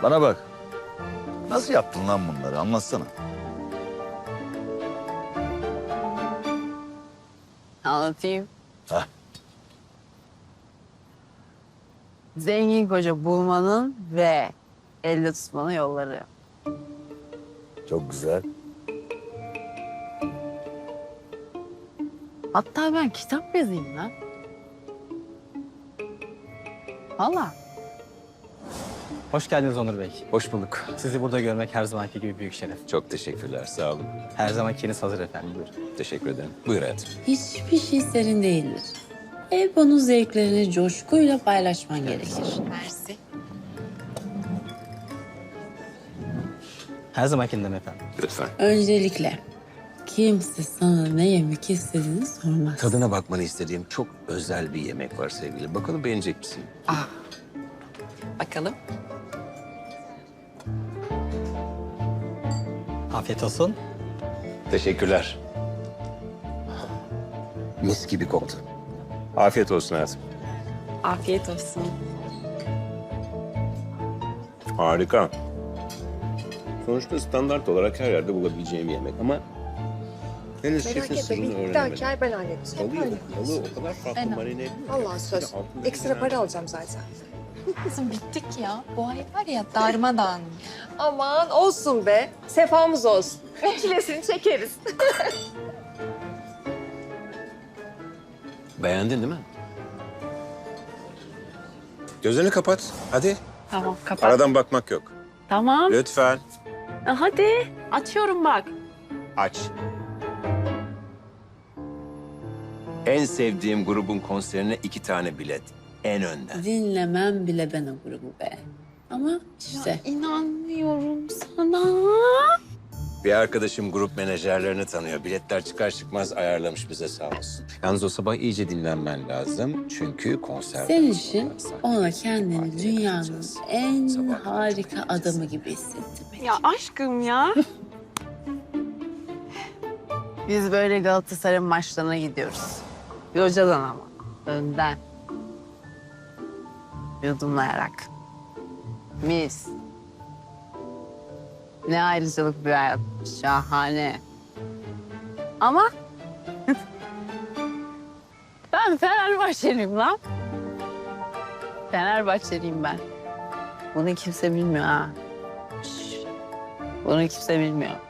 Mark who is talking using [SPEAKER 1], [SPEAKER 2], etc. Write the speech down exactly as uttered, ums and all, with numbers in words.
[SPEAKER 1] Bana bak. Nasıl yaptın lan bunları? Anlatsana.
[SPEAKER 2] Anlatayım.
[SPEAKER 1] Hah.
[SPEAKER 2] Zengin koca bulmanın ve elde tutmanın yolları.
[SPEAKER 1] Çok güzel.
[SPEAKER 2] Hatta ben kitap yazayım lan. Valla.
[SPEAKER 3] Hoş geldiniz Onur Bey.
[SPEAKER 4] Hoş bulduk.
[SPEAKER 3] Sizi burada görmek her zamanki gibi büyük şeref.
[SPEAKER 4] Çok teşekkürler, sağ olun.
[SPEAKER 3] Her zamankiiniz hazır efendim. Buyurun.
[SPEAKER 4] Teşekkür ederim. Buyur hayatım.
[SPEAKER 5] Hiçbir şey senin değildir. Hep onun zevklerini coşkuyla paylaşman gerekir.
[SPEAKER 2] Mersi.
[SPEAKER 3] Her zamankinden efendim.
[SPEAKER 4] Lütfen.
[SPEAKER 5] Öncelikle kimse sana ne yemek istediğini sormaz.
[SPEAKER 4] Tadına bakmanı istediğim çok özel bir yemek var sevgili. Bakalım beğenecek misin?
[SPEAKER 2] Bakalım.
[SPEAKER 3] Afiyet olsun.
[SPEAKER 4] Teşekkürler. Mis gibi koktu. Afiyet olsun hayatım.
[SPEAKER 2] Afiyet olsun.
[SPEAKER 4] Harika. Sonuçta standart olarak her yerde bulabileceğim yemek ama henüz
[SPEAKER 6] Merak
[SPEAKER 4] şefin
[SPEAKER 6] etme,
[SPEAKER 4] sırrını
[SPEAKER 6] bir
[SPEAKER 4] öğrenemedim.
[SPEAKER 6] dahaki ay ben halledeceğim.
[SPEAKER 4] Balığı, balığı o kadar farklı
[SPEAKER 6] Ben-
[SPEAKER 4] marine ediyor.
[SPEAKER 6] Vallahi söz. Ekstra para alacağım zaten.
[SPEAKER 7] Kızım bittik ya. Bu ay var ya darmadağın.
[SPEAKER 6] Aman olsun be. Sefamız olsun. Çilesini çekeriz.
[SPEAKER 4] Beğendin değil mi? Gözlerini kapat. Hadi.
[SPEAKER 2] Tamam kapat.
[SPEAKER 4] Aradan bakmak yok.
[SPEAKER 2] Tamam.
[SPEAKER 4] Lütfen.
[SPEAKER 2] Hadi. Açıyorum bak.
[SPEAKER 4] Aç. En sevdiğim grubun konserine iki tane bilet. En önden.
[SPEAKER 5] Dinlemem bile ben o grubu be. Ama işte
[SPEAKER 7] İnanmıyorum sana.
[SPEAKER 4] Bir arkadaşım grup menajerlerini tanıyor. Biletler çıkar çıkmaz ayarlamış bize sağ olsun. Yalnız o sabah iyice dinlenmen lazım. Çünkü konser...
[SPEAKER 5] senin için ona kendini
[SPEAKER 4] Partiye
[SPEAKER 5] dünyanın
[SPEAKER 4] katılacağız.
[SPEAKER 5] en
[SPEAKER 4] Sabah
[SPEAKER 5] harika
[SPEAKER 4] çok eğleneceğiz.
[SPEAKER 5] adamı gibi hissettirmek.
[SPEAKER 2] Ya aşkım ya. Biz böyle Galatasaray'ın maçlarına gidiyoruz. Locadan ama. Önden. Yudumlayarak. Mis. Ne ayrıcalık bir hayat. Şahane. Ama ben Fenerbahçeliyim lan. Fenerbahçeliyim ben. Bunu kimse bilmiyor ha. Şş, bunu kimse bilmiyor.